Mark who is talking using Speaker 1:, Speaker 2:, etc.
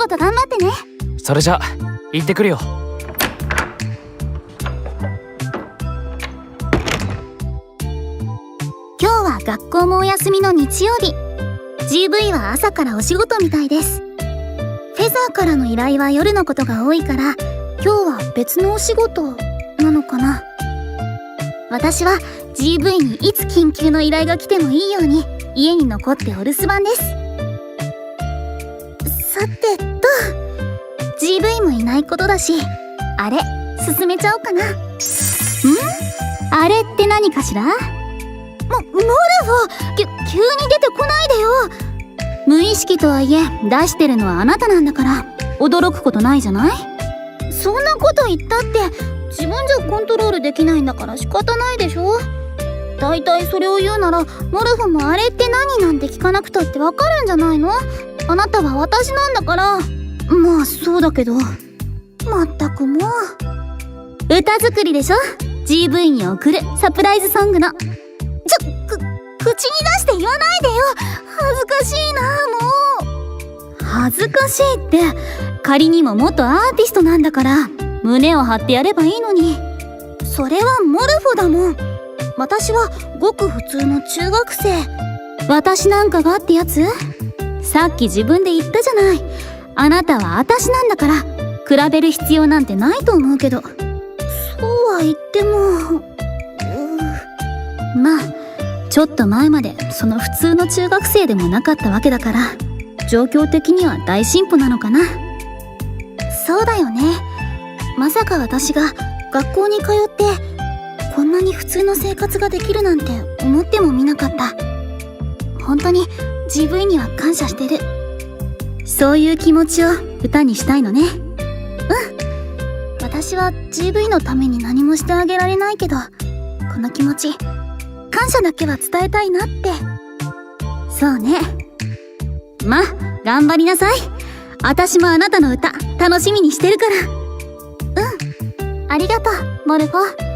Speaker 1: 事頑張ってね。
Speaker 2: それじゃ行ってくるよ。
Speaker 1: 今日は学校もお休みの日曜日。 GV は朝からお仕事みたいです。フェザーからの依頼は夜のことが多いから、今日は別のお仕事なのかな。私は GV にいつ緊急の依頼が来てもいいように家に残ってお留守番です。さてと GV もいないことだし、あれ進めちゃおうかな。あれって何かしら。モルフォ、急に出てこないでよ。無意識とはいえ出してるのはあなたなんだから驚くことないじゃない。そんなこと言ったって自分じゃコントロールできないんだから仕方ないでしょ。だいたいそれを言うならモルフォもあれって何なんて聞かなくたってわかるんじゃないの。あなたは私なんだから。まあそうだけど、まったくもう。歌作りでしょ、 GV に送るサプライズソングの。口に出して言わないでよ。恥ずかしいな。もう恥ずかしいって、仮にも元アーティストなんだから胸を張ってやればいいのに。それはモルフォだもん。私はごく普通の中学生。私なんかがってやつ。さっき自分で言ったじゃない。あなたは私なんだから比べる必要なんてないと思うけど。そうは言ってもまあちょっと前までその普通の中学生でもなかったわけだから、状況的には大進歩なのかな。そうだよね。まさか私が学校に通ってこんなに普通の生活ができるなんて思ってもみなかった。本当に GV には感謝してる。そういう気持ちを歌にしたいのね。私は GV のために何もしてあげられないけど、この気持ち感謝だけは伝えたいなって。そうね。まあ頑張りなさい。私もあなたの歌楽しみにしてるから。ありがとうモルフォ。